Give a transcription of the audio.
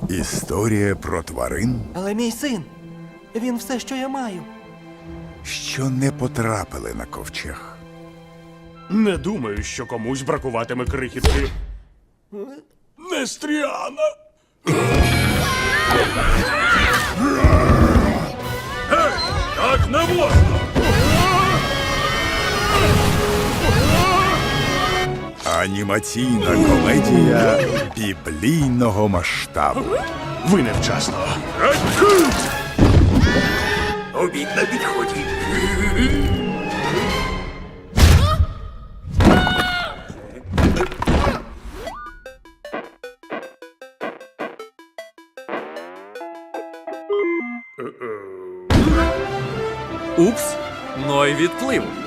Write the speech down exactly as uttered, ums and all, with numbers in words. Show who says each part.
Speaker 1: Історія про тварин,
Speaker 2: Але мій син, він все, що я маю.
Speaker 1: що не потрапили на ковчег.
Speaker 3: Не думаю, що комусь бракуватиме крихітки. Нестріана! Гей, так не можна!
Speaker 1: Анімаційна комедія біблійного масштабу.
Speaker 3: Ви невчасно.
Speaker 1: Обід на підході.
Speaker 4: Упс, Ной відплив.